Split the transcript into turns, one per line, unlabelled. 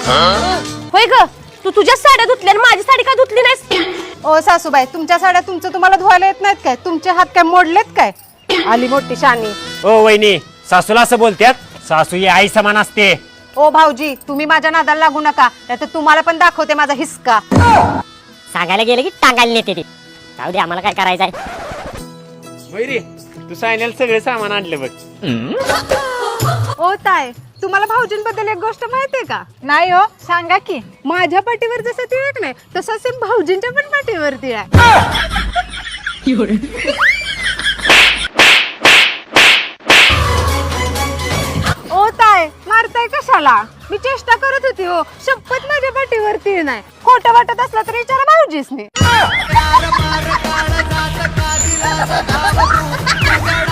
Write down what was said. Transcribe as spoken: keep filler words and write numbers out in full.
होय ग, तू तुझ्या साड्या धुतल्या आणि माझी साडी का धुतली नाहीस?
ओ सासूबाई, तुमच्या साड्या तुमचं तुम्हाला धुवायला येत नाहीत काय? तुमचे हात काय मोडलेत काय? आली मोठी शानी.
ओ वहिनी, सासूला असं बोलत्यात? सासू ही आई समान असते.
ओ भाऊजी, तुम्ही माझ्या नादाला लागू नका, नाहीतर तुम्हाला पण दाखवते माझा हिसका.
सांगायला गेलं की टांगायला नेते ते. जाऊ दे, आम्हाला काय करायचंय.
वैरी, तू सायन्याला सगळे सामान आणले बघ.
ओ ताय, तुम्हाला भाऊजींबद्दल एक गोष्ट माहितीये का? नाही हो, सांगा की. माझ्या पाठीवर जसं तिळक नाही तसं सेम भाऊजींच्या पण पाठीवरती आहे. ओ ताय, मारताय कशाला? मी चेष्टा करत होती हो. शपथ माझ्या पाठीवरती नाही. खोटं वाटत असलं तर विचारा भाऊजीसनी.